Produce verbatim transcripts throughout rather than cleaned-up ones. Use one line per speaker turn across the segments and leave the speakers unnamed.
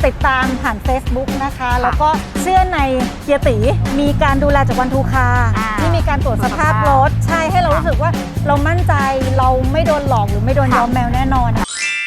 ติดตามผ่าน Facebook นะคะแล้วก็เชื่อในเฮียตีมีการดูแลจากวันทูคาที่มีการตรวจสภาพรถใช่ให้เรารู้สึกว่าเรามั่นใจเราไม่โดนหลอกหรือไม่โดนย้อมแมวแน่นอน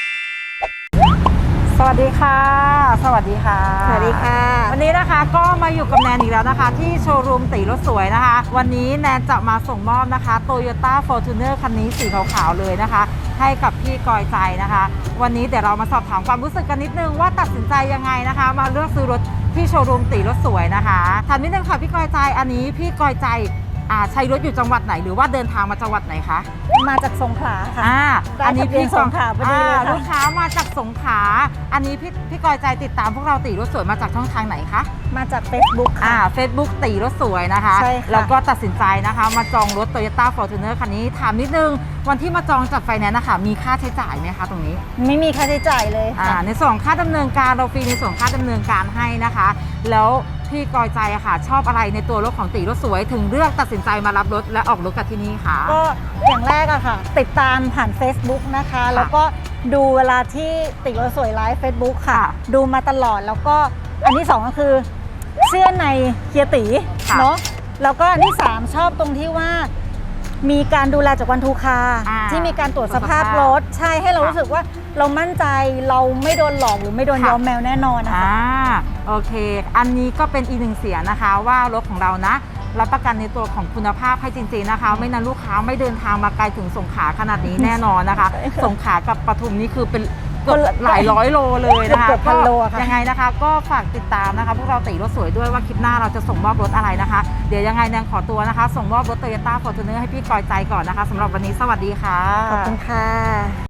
สวัสดีค่ะสวัสดีค่ะ
สวัสดีค่ะ
วันนี้นะคะก็มาอยู่กับแนนอีกแล้วนะคะที่โชว์รูมตีรถสวยนะคะวันนี้แนนจะมาส่งมอบนะคะ Toyota Fortuner คันนี้สีขาวๆเลยนะคะให้กับพี่กอยใจนะคะวันนี้เดี๋ยวเรามาสอบถามความรู้สึกกันนิดนึงว่าตัดสินใจยังไงนะคะมาเลือกซื้อรถที่โชว์รูมตีรถสวยนะคะถามนิดนึงค่ะพี่กอยใจอันนี้พี่กอยใจใช้รถอยู่จังหวัดไหนหรือว่าเดินทางมาจังหวัดไหนคะ
มาจากสงขลาค่ะ
อ่าอันนี้พี่
สงขลาพอดีเลยค่ะ
ลูกค้ามาจากสงขลาอันนี้พี่พี่กอยใจติดตามพวกเราตีรถสวยมาจากช่องทางไหนคะ
มาจาก Facebook ค่ะ
อ่า Facebook ตีรถสวยนะคะ
ใช่ค่ะ
แล้วก็ตัดสินใจนะคะมาจองรถ Toyota Fortuner คันนี้ถามนิดนึงวันที่มาจองจัดไฟแนนซ์นะคะมีค่าใช้จ่ายไหมคะตรงนี้
ไม่มีค่าใช้จ่ายเลย
ค่ะในส่วนค่าดำเนินการเราฟรีในส่วนค่าดำเนินการให้นะคะแล้วพี่กอยใจอะค่ะชอบอะไรในตัวรถของตีรถสวยถึงเลือกตัดสินใจมารับรถและออกรถกับที่นี่ค่ะ
ก็อย่างแรกอะค่ะติดตามผ่าน Facebook นะคะแล้วก็ดูเวลาที่ตีรถสวยไลฟ์ Facebook ค่ะดูมาตลอดแล้วก็อันที่สองก็คือเชื่อในเฮียตีเนาะแล้วก็อันที่สามชอบตรงที่ว่ามีการดูแลจากวันทูคาที่มีการตรวจสภาพรถใช่ให้เรารู้สึกว่าเรามั่นใจเราไม่โดนหลอกหรือไม่โดนย้อมแมวแน่นอนนะคะ
โอเคอันนี้ก็เป็นอีกหนึ่งเสียงนะคะว่ารถของเรานะรับประกันในตัวของคุณภาพให้จริงๆนะคะไม่นั้นลูกค้าไม่เดินทางมาไกลถึงสงขลาขนาดนี้แน่นอนนะคะสงขลากับปทุมนี่คือเป็นเกือบหลายร้อยโลเลยนะคะก็ยังไงนะคะก็ฝากติดตามนะคะพวกเราตีรถสวยด้วยว่าคลิปหน้าเราจะส่งมอบรถอะไรนะคะเดี๋ยวยังไงแนนขอตัวนะคะส่งมอบรถ Toyota Fortuner ให้พี่กอยใจก่อนนะคะสำหรับวันนี้สวัสดีค่ะ
ขอบคุณค่ะ